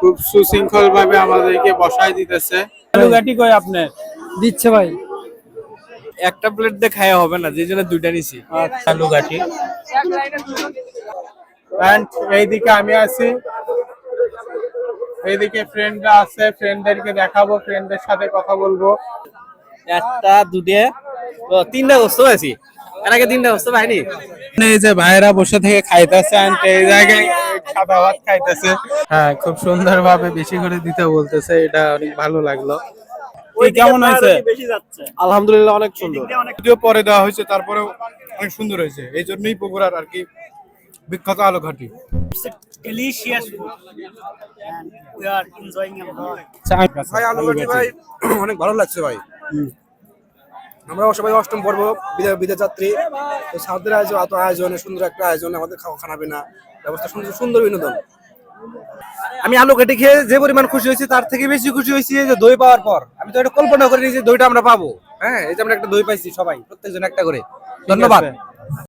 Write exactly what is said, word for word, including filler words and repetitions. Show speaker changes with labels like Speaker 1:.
Speaker 1: খুব সুশৃঙ্খল ভাবে আমাদেরকে বসায় দিতেছে।
Speaker 2: আলু ঘাটি কই আপনি
Speaker 3: দিচ্ছে ভাই।
Speaker 2: একটা প্লেট দিয়ে খাওয়া হবে না, যে জন্য দুইটা নিছি।
Speaker 1: আলু ঘাটি এন্ড এইদিকে আমি আছি, এইদিকে ফ্রেন্ডরা আছে, ফ্রেন্ডদেরকে দেখাবো, ফ্রেন্ডদের সাথে কথা বলবো।
Speaker 2: একটা দুটে ও তিনটা গোস্ত পাইছি, এর আগে তিনটা গোস্ত পাইনি।
Speaker 1: এই যে ভাইরা বসে থেকে খাইতেছে, এই জায়গায় সাদা ভাত খাইতেছে। হ্যাঁ, খুব সুন্দর ভাবে বেশি করে দিতে বলতেছে, এটা অনেক ভালো লাগলো।
Speaker 2: কেমন হয়েছে?
Speaker 3: আলহামদুলিল্লাহ অনেক সুন্দর।
Speaker 1: যদিও পরে দেওয়া হয়েছে, তারপরেও অনেক সুন্দর হয়েছে। এই জন্যই বগুড়ার আর কি বিখ্যাত আলু ঘাটি।
Speaker 4: delicious food and we are enjoying a lot.
Speaker 3: ভাই আলু ঘাটি ভাই অনেক ভালো লাগছে ভাই। আমরা সবাই অষ্টম পর্ব বিদায় বিদায় যাত্রী, তো সাউথের আয়োজন এত আয়োজনে সুন্দর একটা আয়োজন, আমাদের খাওয়া খানা পিনা ব্যবস্থা সুন্দর সুন্দর বিনোদন। আমি আলু ঘাটি খেয়ে যে পরিমাণ খুশি হয়েছি তার থেকে বেশি খুশি হয়েছি যে দই পাওয়ার পর। আমি তো এটা কল্পনা করিনি যে দইটা আমরা পাবো। হ্যাঁ, এই যে আমরা একটা দই পাইছি সবাই, প্রত্যেকজন একটা করে। ধন্যবাদ।